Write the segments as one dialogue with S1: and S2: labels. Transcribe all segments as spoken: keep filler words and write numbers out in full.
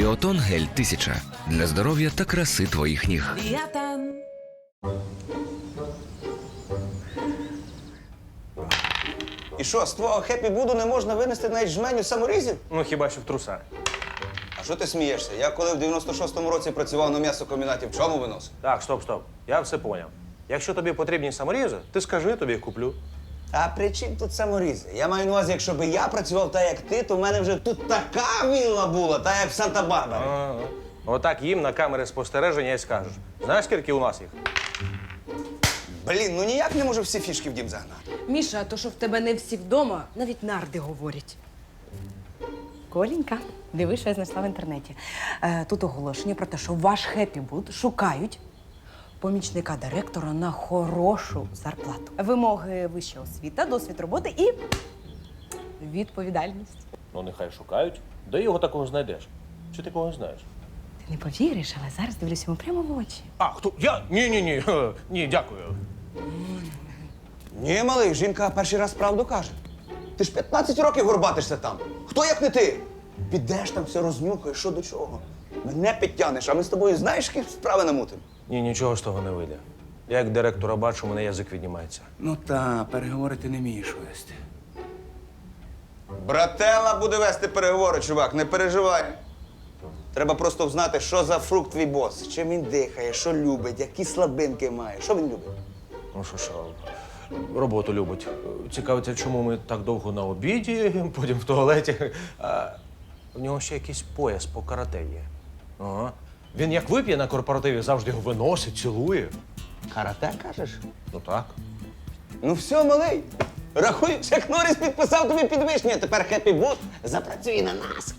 S1: Ліотон гель тисяча для здоров'я та краси твоїх ніг.
S2: Ліотон.
S3: І що, з твого хеппі-буду не можна винести навіть жменю саморізів?
S4: Ну, хіба що в трусах.
S3: А що ти смієшся? Я коли в дев'яносто шостому році працював на м'ясокомбінаті, в чому виносив?
S4: Так, стоп, стоп. Я все поняв. Якщо тобі потрібні саморізи, ти скажи, я тобі їх куплю.
S3: А при чим тут саморізи? Я маю на увазі, якщо б я працював так, як ти, то в мене вже тут така вілла була, так як в Санта-Барбарі.
S4: Ага. Отак їм на камери спостереження і скажеш. Знаєш, скільки у нас їх?
S3: Блін, ну ніяк не можу всі фішки в дім загнати.
S2: Міша, а то, що в тебе не всі вдома, навіть нарди говорять.
S5: Коленька, диви, що я знайшла в інтернеті. Е, тут оголошення про те, що ваш хеппі-буд шукають помічника директора на хорошу зарплату. Вимоги вища освіта, досвід роботи і відповідальність.
S4: Ну, нехай шукають. Де його такого знайдеш? Чи ти когось знаєш?
S5: Ти не повіриш, але зараз дивлюся йому прямо в очі.
S4: А, хто? Я? Ні-ні-ні. Ні, дякую.
S3: Ні, малий, жінка перший раз правду каже. Ти ж п'ятнадцять років горбатишся там. Хто як не ти? Підеш там, все рознюхаєш, що до чого. Мене підтягнеш, а ми з тобою знаєш, які справи намутимо?
S4: Ні, нічого з того не вийде. Я як директора бачу, у мене язик віднімається.
S6: Ну та, переговори ти не вмієш вести.
S3: Брателла буде вести переговори, чувак, не переживай. Треба просто знати, що за фрукт твій бос, чим він дихає, що любить, які слабинки має. Що він любить?
S4: Ну що, що, роботу любить. Цікавиться, чому ми так довго на обіді, потім в туалеті. А в нього ще якийсь пояс по карате є. Ага. Він як вип'є на корпоративі, завжди його виносить, цілує.
S3: Карате, кажеш?
S4: Ну так.
S3: Ну все, малий. Рахуй, як Норріс підписав тобі підвищення, тепер хеппі-буд запрацює на нас.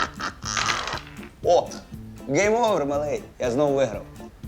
S3: О, гейм овер, малий. Я знову виграв.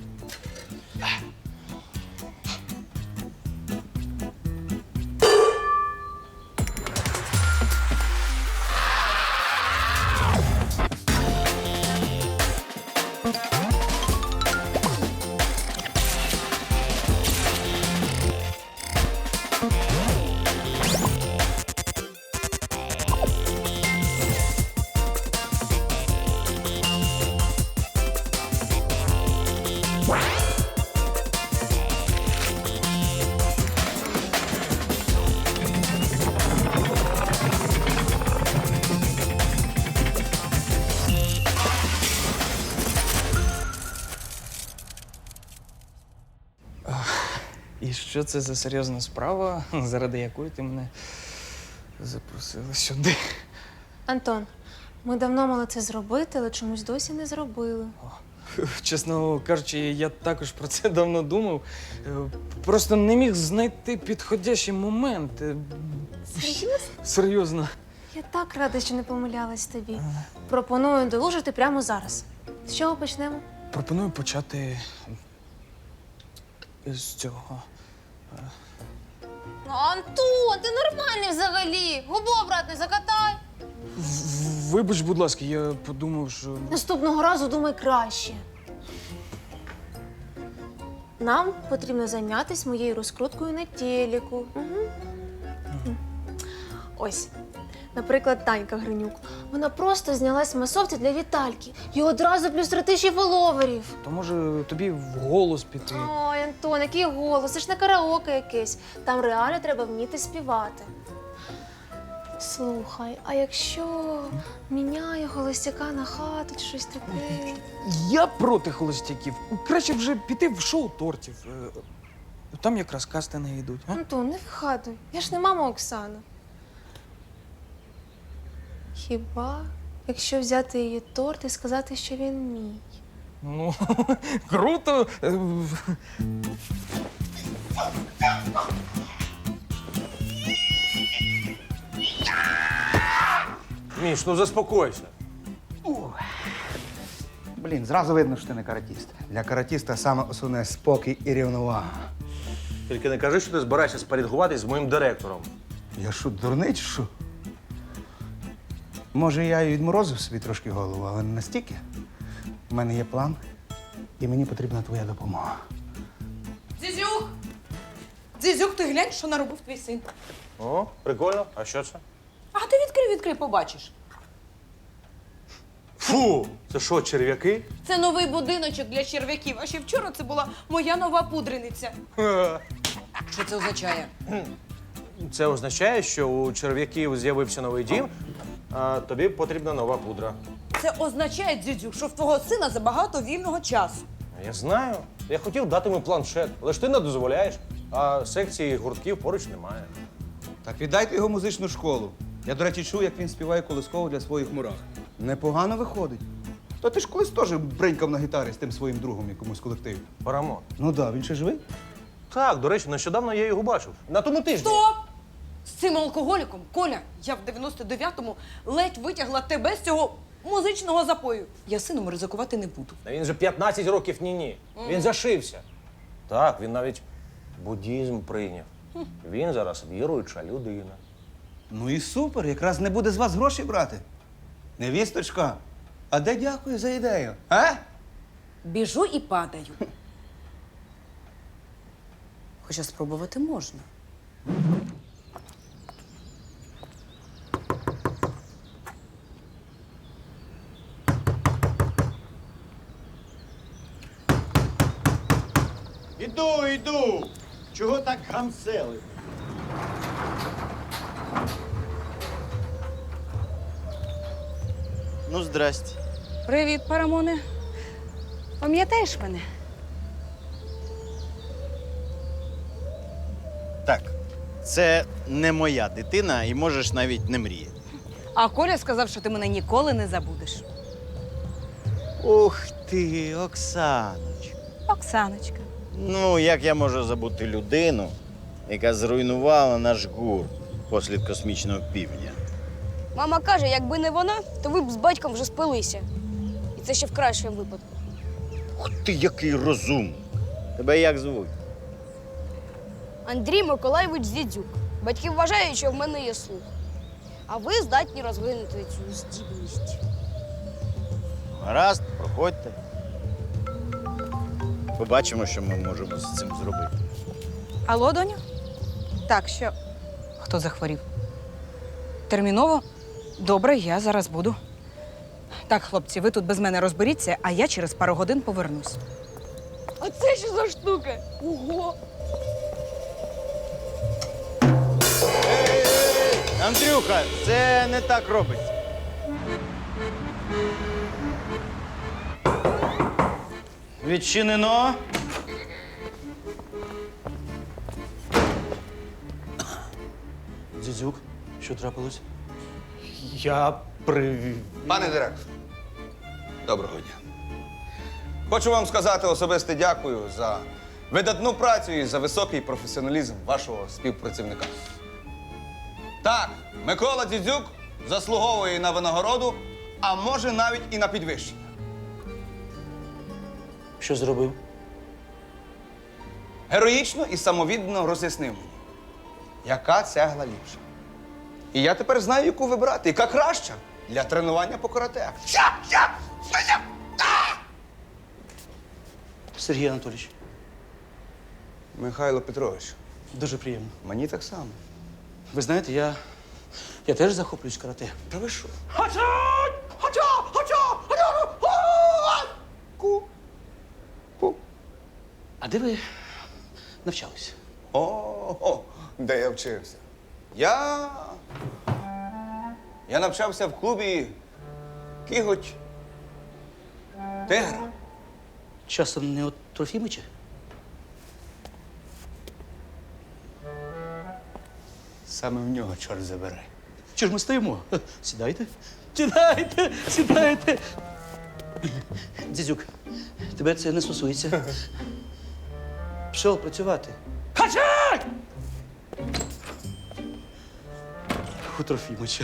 S6: І що це за серйозна справа, заради якої ти мене запросила сюди?
S7: Антон, ми давно мали це зробити, але чомусь досі не зробили.
S6: Чесно кажучи, я також про це давно думав. Е, Просто не міг знайти підходящий момент. Е,
S7: Серйозно?
S6: Серйозно.
S7: Я так рада, що не помилялась тобі. Пропоную долужити прямо зараз. З чого почнемо?
S6: Пропоную почати з цього.
S7: Антон, ти нормальний взагалі. Губу обратно закатай.
S6: В- Вибач, будь ласка, я подумав, що.
S7: Наступного разу думай краще. Нам потрібно зайнятися моєю розкруткою на телеку. Угу. Ось, наприклад, Танька Гринюк. Вона просто знялась в масовці для Вітальки. І одразу плюс три тисячі фоловерів.
S6: То може тобі в голос піти.
S7: Ой, Антон, який голос, це ж не караоке якесь. Там реально треба вміти співати. Слухай, а якщо міняє холостяка на хату чи щось таке?
S6: Я проти холостяків. Краще вже піти в шоу тортів. Е, Там якраз кастинги йдуть. А?
S7: Антон, не вигадуй. Я ж не мама Оксана. Хіба, якщо взяти її торт і сказати, що він мій?
S6: Ну, круто. Е,
S4: Міш, ну заспокойся.
S8: Блін, зразу видно, що ти не каратіст. Для каратіста саме основне спокій і рівновага.
S4: Тільки не кажи, що ти збираєшся спорядкуватись з моїм директором.
S8: Я що, дурний чи що? Може, я і відморозив собі трошки голову, але не настільки. У мене є план, і мені потрібна твоя допомога.
S2: Дзізюк! Дзізюк, ти глянь, що наробив твій син.
S4: О, прикольно. А що це?
S2: А ти відкрий, відкрий, побачиш.
S4: Фу! Це що, черв'яки?
S2: Це новий будиночок для черв'яків, а ще вчора це була моя нова пудрениця.
S5: Що це означає?
S4: Це означає, що у черв'яків з'явився новий дім, а тобі потрібна нова пудра.
S2: Це означає, дідю, що в твого сина забагато вільного часу.
S4: Я знаю. Я хотів дати йому планшет, але ж ти не дозволяєш, а секції гуртків поруч немає.
S3: Так віддайте його в музичну школу. Я, до речі, чув, як він співає колисково для своїх мурах. Непогано виходить. То ти ж колись теж бринькав на гітарі з тим своїм другом якомусь колективі.
S4: Парамон.
S3: Ну так, да, він ще живий?
S4: Так, до речі, нещодавно я його бачив. На тому тижні.
S2: Стоп! З цим алкоголіком, Коля, я в дев'яносто дев'ятому ледь витягла тебе з цього музичного запою. Я сином ризикувати не буду.
S4: Та він же п'ятнадцять років ні-ні. Він зашився. Так, він навіть буддізм прийняв. Він зараз віруюча людина.
S3: Ну і супер, якраз не буде з вас гроші брати. Невісточка, а де дякую за ідею? А?
S5: Біжу і падаю. Хоча спробувати можна.
S9: Іду, іду. Чого так гамсели? Ну, здрасте.
S5: Привіт, Парамоне. Пам'ятаєш мене?
S9: Так, це не моя дитина і можеш навіть не мріяти.
S5: А Коля сказав, що ти мене ніколи не забудеш.
S9: Ух ти, Оксаночка.
S5: Оксаночка.
S9: Ну, як я можу забути людину, яка зруйнувала наш гурт послід космічного півдня?
S10: Мама каже, якби не вона, то ви б з батьком вже спилися. І це ще в кращому випадку.
S9: Ух ти, який розум! Тебе як звуть?
S10: Андрій Миколайович Зідзюк. Батьки вважають, що в мене є слух. А ви здатні розвинути цю здібність.
S9: Гаразд, проходьте. Побачимо, що ми можемо з цим зробити.
S5: Алло, доню? Так, що? Хто захворів? Терміново? Добре, я зараз буду. Так, хлопці, ви тут без мене розберіться, а я через пару годин повернусь.
S10: А це що за штука? Ого!
S9: Андрюха, це не так робиться. Відчинено.
S4: Дзідзюк, що трапилось? Я при...
S3: Пане директор, доброго дня. Хочу вам сказати особисте дякую за видатну працю і за високий професіоналізм вашого співпрацівника. Так, Микола Дзідзюк заслуговує на винагороду, а може навіть і на підвищення.
S4: Що зробив?
S3: Героїчно і самовіддано роз'яснив мені, яка цегла ліпша. І я тепер знаю, яку вибрати, яка краща для тренування по карате.
S11: Сергій Анатолійович,
S3: Михайло Петрович,
S11: дуже приємно.
S3: мені так само.
S11: Ви знаєте, я, я теж захоплююсь карате.
S3: Та ви що? Ку. Ку.
S11: А де ви навчалися?
S3: О, де я вчився? Я. Я навчався в клубі Кіготь Тигра.
S11: Часом не от Трофімича?
S3: Саме в нього чорт забере.
S11: Чи ж ми стоїмо? Сідайте. Сідайте, сідайте. Дзідзюк, тебе це не стосується. Пішов працювати. Хачай! У Трофімича.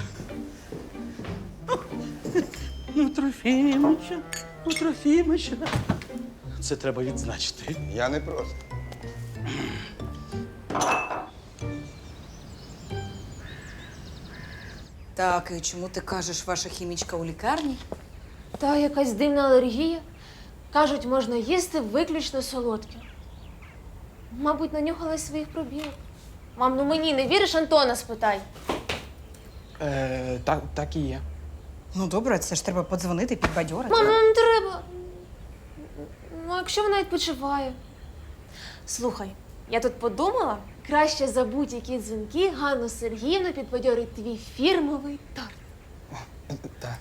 S11: У Трофімича, у Трофімича. Це треба відзначити.
S3: Я не проти.
S5: Так, і чому ти кажеш, ваша хімічка у лікарні?
S7: Та якась дивна алергія. Кажуть, можна їсти виключно солодке. Мабуть, нанюхалась своїх пробірок. Мам, ну мені не віриш, Антона спитай.
S6: Е, так, так і є.
S5: Ну добре, це ж треба подзвонити, підбадьорити.
S7: Мама, не треба. Ну, а якщо вона відпочиває? Слухай, я тут подумала, краще за будь-які дзвінки Ганну Сергіївну підбадьорить твій фірмовий торт.
S8: Так.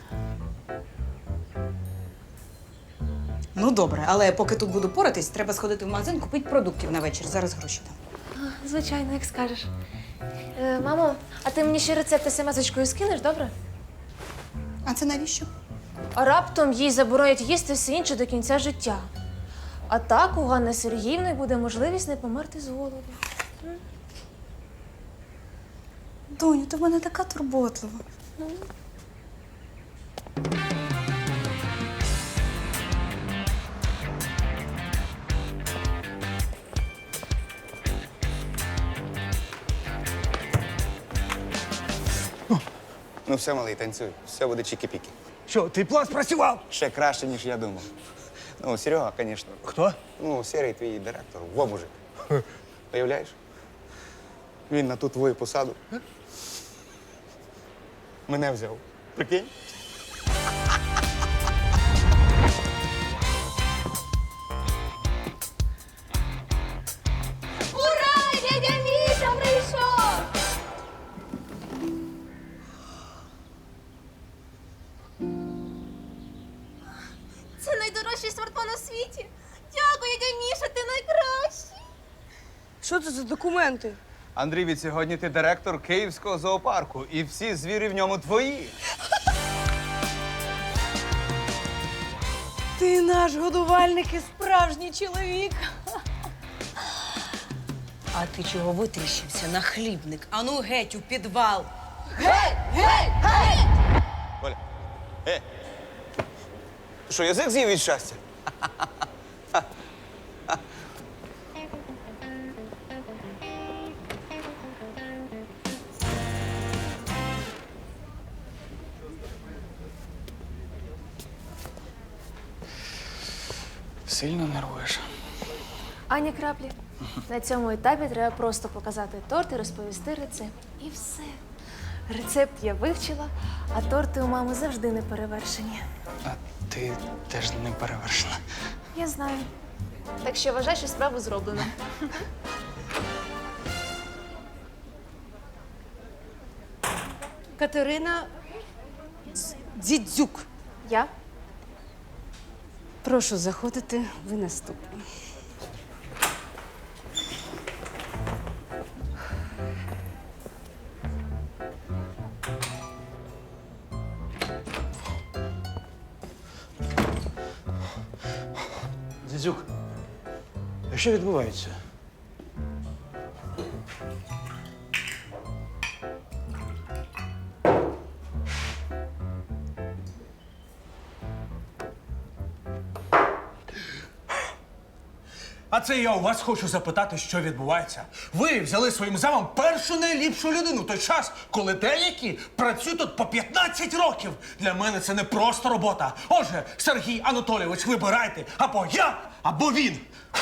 S5: Ну добре, але поки тут буду поратись, треба сходити в магазин, купити продуктів на вечір. Зараз гроші дам.
S7: А, звичайно, як скажеш. Е, мамо, а ти мені ще рецепти смс-очкою скинеш, добре?
S5: А це навіщо?
S7: А раптом їй заборонять їсти все інше до кінця життя. А так у Ганни Сергіївни буде можливість не померти з голоду.
S5: Доню, ти в мене така турботлива.
S3: Ну все, малий, танцюй. Все буде чікі-пікі.
S8: Що, твій план спрацював?
S3: Ще краще, ніж я думав. Ну, Серега, звісно.
S8: Хто?
S3: Ну, Серий твій директор, во мужик. Уявляєш? Він на ту твою посаду. Мене взяв. Прикинь?
S7: Ура! Дядя Міша прийшов! Це найдорожчий смартфон у світі. Дякую, дядя Міша, ти найкращий.
S10: Що це за документи?
S3: Андрій, від сьогодні ти директор Київського зоопарку, і всі звірі в ньому твої.
S2: Ти наш годувальник і справжній чоловік. А ти чого витріщився на хлібник? Ану геть у підвал. Геть! Геть! Геть!
S3: Оля, е! Ти що, язик з'їв від щастя?
S6: Сильно нервуєш.
S7: Ані краплі. На цьому етапі треба просто показати торт і розповісти рецепт. І все. Рецепт я вивчила, а торти у мами завжди не перевершені.
S6: А ти теж не перевершена.
S7: Я знаю. Так що вважай, що справу зроблено.
S2: Катерина Дзідзюк.
S7: Я?
S2: Прошу заходити, ви наступні.
S11: Дзідзюк, а що відбувається?
S12: А це я у вас хочу запитати, що відбувається. Ви взяли своїм замом першу найліпшу людину в той час, коли деякі працюють тут по п'ятнадцять років. Для мене це не просто робота. Отже, Сергій Анатолійович, вибирайте або я, або він.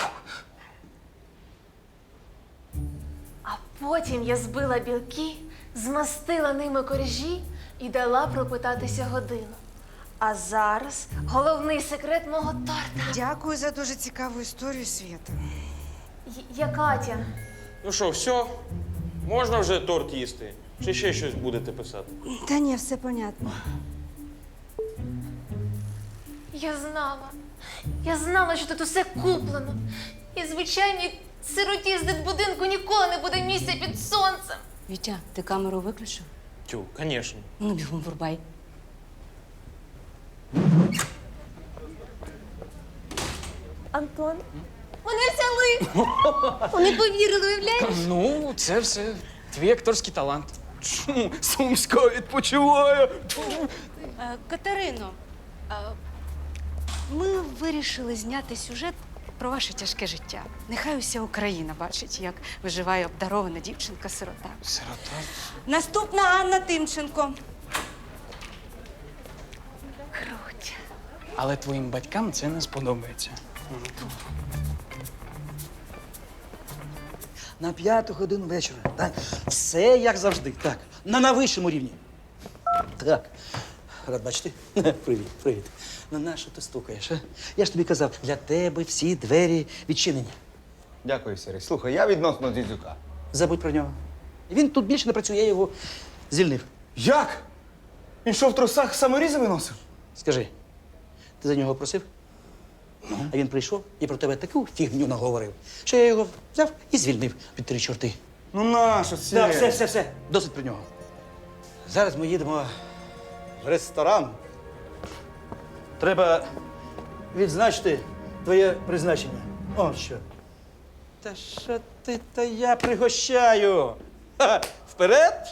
S7: А потім я збила білки, змастила ними коржі і дала пропитатися годину. А зараз головний секрет мого торта.
S5: Дякую за дуже цікаву історію, Свята.
S7: Й- Я Катя.
S4: Ну що, все? Можна вже торт їсти? Чи ще щось будете писати?
S5: Та ні, все понятно.
S7: Я знала. Я знала, що тут усе куплено. І звичайній сироті з дитбудинку ніколи не буде місця під сонцем.
S2: Вітя, ти камеру виключив?
S4: Тю, звісно.
S2: Ну, бігом врубай.
S7: Антон, мене взяли! Вони повірили, уявляєш?
S6: Ну, це все твій акторський талант. Чому Сумська відпочиває?
S13: Е, Катерино, е, ми вирішили зняти сюжет про ваше тяжке життя. Нехай уся Україна бачить, як виживає обдарована дівчинка-сирота.
S6: Сирота.
S5: Наступна Анна Тимченко.
S7: Круть.
S6: Але твоїм батькам це не сподобається.
S11: На п'яту годину вечора. Так. Все як завжди. Так. На найвищому рівні. Так. рад бачити. Привіт, привіт. Ну нащо ти стукаєш, а? Я ж тобі казав, для тебе всі двері відчинені.
S3: Дякую, Сергій. Слухай, я відносно Дзідзюка.
S11: Забудь про нього. Він тут більше не працює, я його звільнив.
S3: Як? Він що, в трусах саморізами носив?
S11: Скажи, ти за нього просив? А він прийшов і про тебе таку фігню наговорив, що я його взяв і звільнив від три чорти.
S3: Ну нащо це?
S11: Так, все, все, все. Досить про нього. Зараз ми їдемо в ресторан. Треба відзначити твоє призначення. О, що. Та що ти, та я пригощаю. Ха, вперед!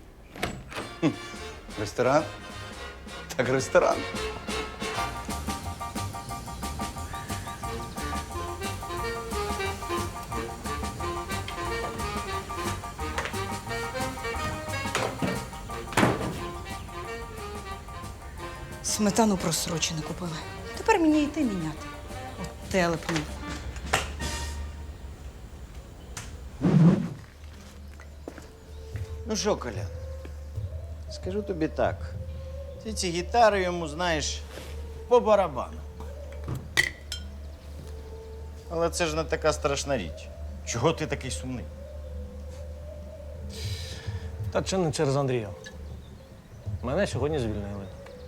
S3: Ресторан? Так ресторан.
S2: Сметану просрочену купили. Тепер мені йти міняти. От телепні.
S9: Ну що, Коля, скажу тобі так. Ти ці гітари йому знаєш по барабану. Але це ж не така страшна річ. Чого ти такий сумний?
S4: Та чи не через Андрія? Мене сьогодні звільнили.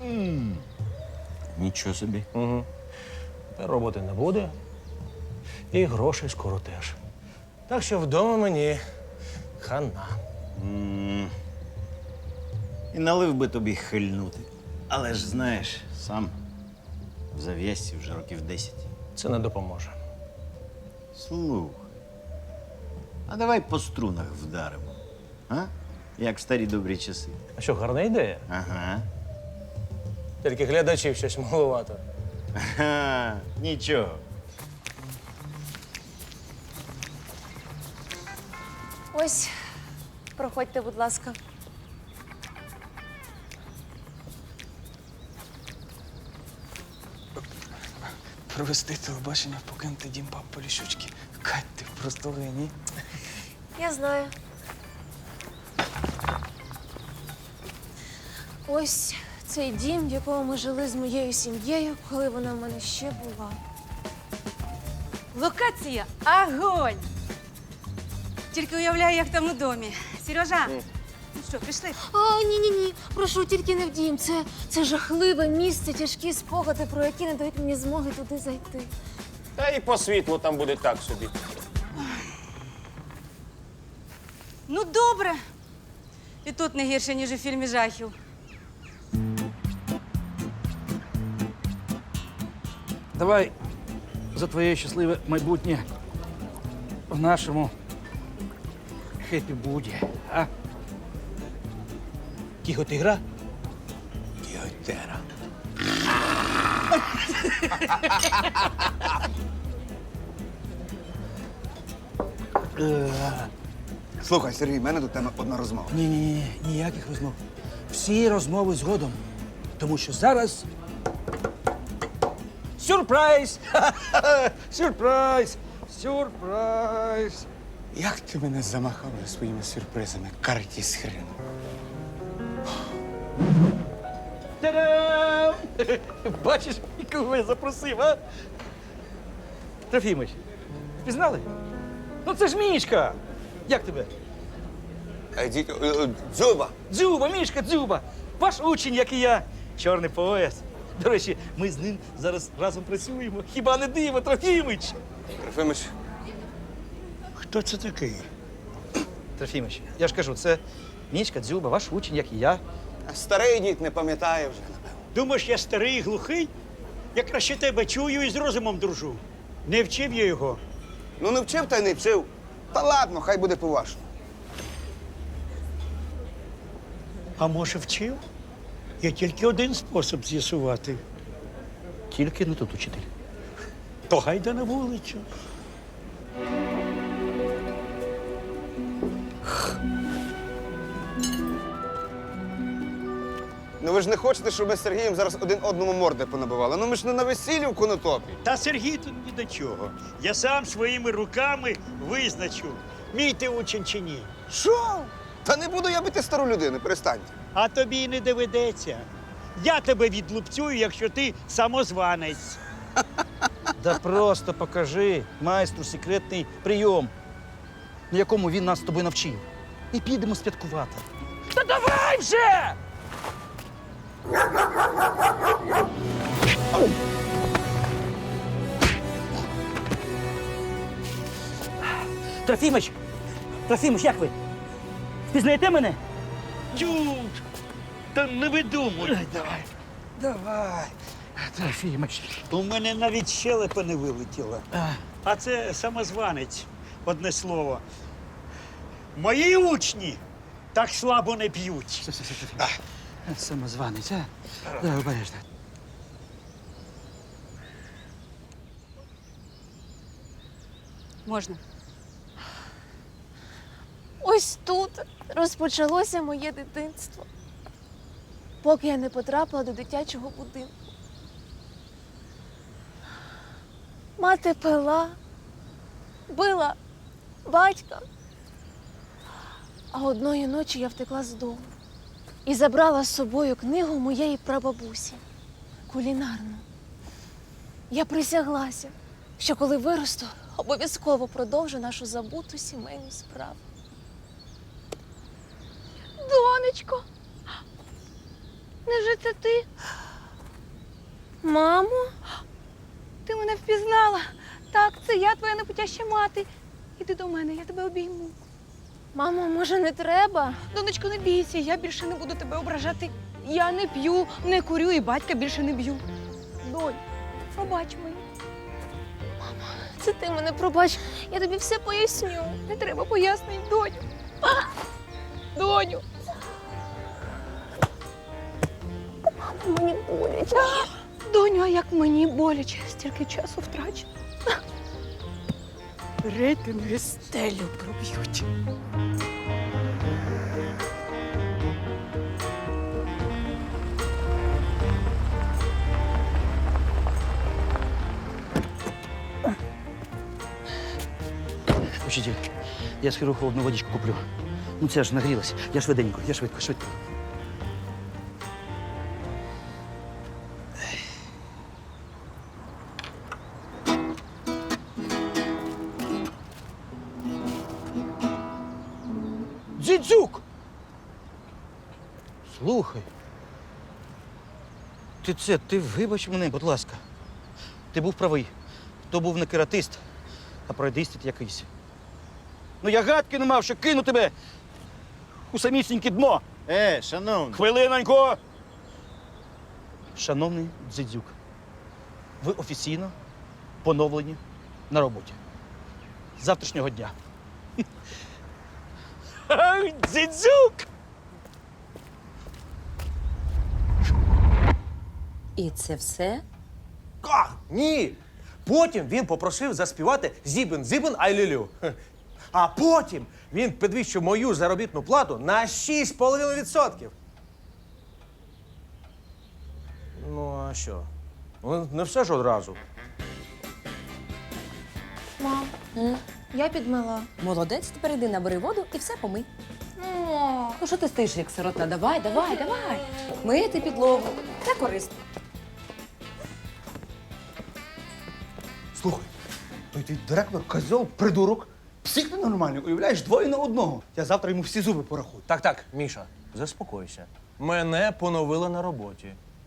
S9: Нічого собі.
S4: Угу. Та роботи не буде. І грошей скоро теж. Так що вдома мені хана.
S9: М. І налив би тобі хильнути. Але ж знаєш, сам в зав'язці вже років десять.
S4: Це не допоможе.
S9: Слухай, а давай по струнах вдаримо. А? Як в старі добрі часи.
S4: А що, гарна ідея?
S9: Ага.
S4: Тільки глядачів щось маловато.
S9: Ага, нічого.
S7: Ось, проходьте, будь ласка.
S6: Провести телебачення, покинути дім пап Поліщучки. Кать, ти просто геній.
S7: Я знаю. Ось цей дім, в якому ми жили з моєю сім'єю, коли вона в мене ще була.
S13: Локація огонь! Тільки уявляю, як там у домі. Сережа, ну що, пішли?
S7: А, ні-ні-ні, прошу, тільки не в дім. Це, це жахливе місце, тяжкі спогади, про які не дають мені змоги туди зайти.
S4: Та і по світлу там буде так собі.
S13: Ну, добре. І тут не гірше, ніж у фільмі жахів.
S11: Давай за твоє щасливе майбутнє в нашому хеппі-буді, а? Кіготигра? Кіготера.
S3: Слухай, Сергій, в мене до тебе одна розмова.
S11: Ні, ні, ні, ніяких розмов. Всі розмови згодом. Тому що зараз. Сюрприз! Сюрприз! Сюрприз!
S8: Як ти мене замахав вже своїми сюрпризами, картіс хрен.
S11: Та-дам! Бачиш, кого я запросив, а? Трофімич, пізнали? Ну це ж Мішка! Як тебе?
S3: Е, ді- е, е, Дзюба!
S11: Дзюба, Мішка, Дзюба! Ваш учень, як і я. Чорний пояс. До речі, ми з ним зараз разом працюємо. Хіба не диво, Трофімич?
S3: Трофимич,
S11: Хто це такий? Трофімич, я ж кажу, це Мішка, Дзюба, ваш учень, як і я.
S3: старий дід не пам'ятає вже, напевно.
S14: Думаєш, я старий і глухий? Я краще тебе чую і з розумом дружу. Не вчив я його.
S3: Ну не вчив та й не вчив. Та ладно, хай буде по-вашому.
S14: А може, вчив? Є тільки один спосіб з'ясувати.
S11: Тільки не тут учитель.
S14: То гайда на вулицю.
S3: Ну ви ж не хочете, щоб ми з Сергієм зараз один одному морди понабивали? Ну ми ж не на весіллі в конотопі.
S14: Та Сергій тут ні до чого. Я сам своїми руками визначу, мій ти учень чи ні.
S3: Що? Та не буду я бити стару людину, перестаньте.
S14: А тобі й не доведеться. Я тебе відлупцюю, якщо ти самозванець.
S11: Да просто покажи майстру секретний прийом, на якому він нас з тобою навчив. І підемо святкувати. Та давай вже! Трофімич! Трофімич, як ви? Впізнаєте мене?
S14: Тю, та не видумуй.
S11: Давай. Давай. Трофімич.
S14: У мене навіть щелепа не вилетіла. А це самозванець, одне слово. Мої учні так слабо не п'ють.
S11: Самозванець, а? Давай, обережно.
S13: Можна.
S7: Ось тут розпочалося моє дитинство, поки я не потрапила до дитячого будинку. Мати пила, била батька. А одної ночі я втекла з дому і забрала з собою книгу моєї прабабусі кулінарну. Я присяглася, що коли виросту, обов'язково продовжу нашу забуту сімейну справу. Донечко, невже це ти? Мамо?
S13: Ти мене впізнала. Так, це я, твоя непотяща мати. Іди до мене, я тебе обійму.
S7: Мамо, може, не треба?
S13: Донечко, не бійся, я більше не буду тебе ображати. Я не п'ю, не курю і батька більше не б'ю. Донь, пробач мені.
S7: Це ти мене пробач, я тобі все поясню.
S13: Не треба пояснень, доню. Доню.
S7: Мамо, мені боляче.
S13: Доню, а як мені боляче, стільки часу втрачено. Рейтинги стелю проб'ють.
S11: Учитель, я схеру холодну водичку куплю. Ну це ж нагрілась. Я швиденько, я швидко, швидко. Дзідзюк! Слухай. Ти це, ти вибач мене, будь ласка. Ти був правий. То був не кератист, а пройдистит якийсь. Ну я гадки не мав, що кину тебе у самісіньке дно.
S9: Е, шановний.
S11: Хвилиноньку! Шановний Дзидзюк, ви офіційно поновлені на роботі. З завтрашнього дня. Дзидзюк!
S5: І це все?
S4: А, ні! Потім він попросив заспівати «Зібен-зібен ай-лю-лю». А потім він підвищив мою заробітну плату на шість з половиною відсотків. Ну, а що? Ну, не все ж одразу.
S7: Мам, я підмила.
S5: Молодець, тепер іди набери воду і все помий.
S7: О,
S5: Ну що ти стоїш, як сирота? Давай, давай, давай. Мити підлогу. Це корисно.
S8: Слухай, той твій директор козьол, придурок, псих ненормальний, уявляєш, двоє на одного. Я завтра йому всі зуби порахую.
S4: Так, так, Міша, заспокойся. Мене поновили на роботі.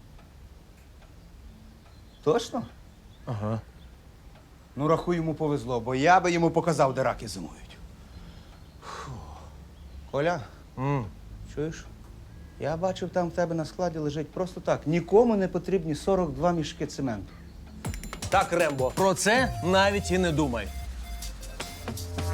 S8: Точно?
S4: Ага.
S8: Ну, рахуй, йому повезло, бо я би йому показав, де раки зимують. Фу. Коля,
S4: М.
S8: чуєш? Я бачив, там в тебе на складі лежить просто так. Нікому не потрібні сорок два мішки цементу.
S4: Так, Рембо, про це навіть і не думай.